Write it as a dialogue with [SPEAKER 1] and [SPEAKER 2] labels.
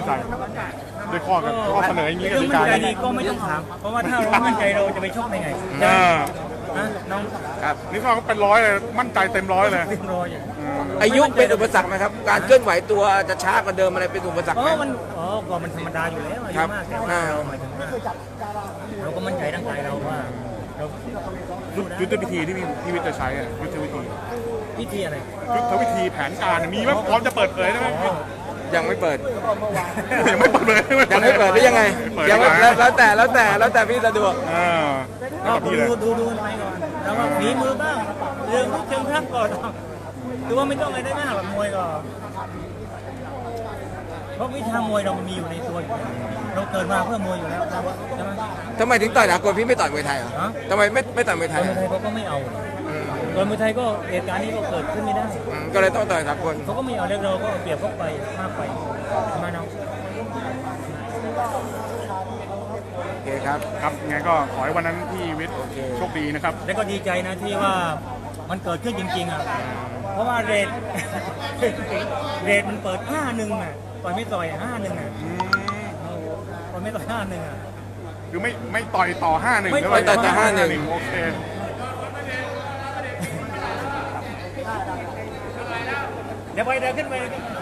[SPEAKER 1] ใจด้วยข้อเสนออย่างนี้ก
[SPEAKER 2] เรื่อง
[SPEAKER 1] ติ
[SPEAKER 2] มั่
[SPEAKER 1] กาน
[SPEAKER 2] ใจ
[SPEAKER 1] เนี่ย
[SPEAKER 2] นี่ก็ไม่ต้องถามเพราะว่าถ้าเรามั่นใจเราจะไปชกได้ไงนะน้อง
[SPEAKER 3] ครับ
[SPEAKER 1] นี่เขาเป็นร้อยเลยมั่นใจเต็มร้อยเลย
[SPEAKER 2] เรียบร้อยอย่าง
[SPEAKER 3] อายุเป็นอุปสรรคไหมครับการเคลื่อนไหวตัวจะช้ากว่าเดิมอะไรเป็นอุปสรรคไหม
[SPEAKER 2] ก็มันธรรมดาอยู่แล้วอา
[SPEAKER 3] ครั
[SPEAKER 2] ยุ
[SPEAKER 3] บ
[SPEAKER 2] มากแต่ว่าเราหมายถึงว่าเราก็มั่นใจร่างกายเราว่าเรา
[SPEAKER 1] ยุทธวิธีที่พี่วิทย์จะใช้อะยุทธวิธี
[SPEAKER 2] วิธีอะไร
[SPEAKER 1] ยุทธวิธีแผนการมีไหมพร้อมจะเปิดเผยได้ไหม
[SPEAKER 3] ยังไม่เปิด
[SPEAKER 1] ยังไม่เปิดเลย
[SPEAKER 3] ยังไม่เปิดหรือยังไง
[SPEAKER 1] เปิด
[SPEAKER 3] ยังไม่
[SPEAKER 1] ไม่
[SPEAKER 3] แล้วแต่พี่สะดวก
[SPEAKER 1] ก็
[SPEAKER 2] ก็
[SPEAKER 1] พี่เลย
[SPEAKER 2] ดูกันไปก่อนแล้วว่าฝีมือบ้างเรื่องเชิงทักก่อนหรือว่าไม่ต้องอะไรได้มากหรอกมวยก็เพราะวิชามวยเรามันมีอยู่ในตัวอยู่แล้วเราเกิดมาเพื่อมวยอยู่แล้วใช่ไหม
[SPEAKER 3] ทำไมถึงต่อยสากลพี่ไม่ต่อยมวยไทยอ่ะ
[SPEAKER 2] ฮะ
[SPEAKER 3] ทำไมไม่ต่อยมวยไท
[SPEAKER 2] ต
[SPEAKER 3] ย
[SPEAKER 2] อนมวยไทยเขาก็ไม่เอาตอนมวยไทยก็เหตุการณ์นี้ก็เกิดขึ้นไม่ได้
[SPEAKER 3] ก็เลยต้องต่อยสากล
[SPEAKER 2] เขาก็ไม่เอาแล้วเราก็เปรียบเขาไปมากไปมาเนาะ
[SPEAKER 3] โอเคครับ
[SPEAKER 1] ครับไงก็ขอให้วันนั้นพี่วิทย์
[SPEAKER 3] โอเค
[SPEAKER 1] โชคดีนะครับ
[SPEAKER 2] แล้วก็ดีใจนะที่ว่ามันเกิดขึ้นจริงๆอ่ะเพราะว่าเรท มันเปิด5-1อ่ะต่อยไม่ต่อย5-1อ่ะต่อยไม่ต่อย5-1อ่ะ
[SPEAKER 1] คือไม่ต่อยต่อ 5-1
[SPEAKER 2] ไม่
[SPEAKER 1] แล้ว
[SPEAKER 2] ต่อยต่อ
[SPEAKER 3] 5-1
[SPEAKER 1] โอเค
[SPEAKER 2] เดี๋ยวไปเดินขึ้นไป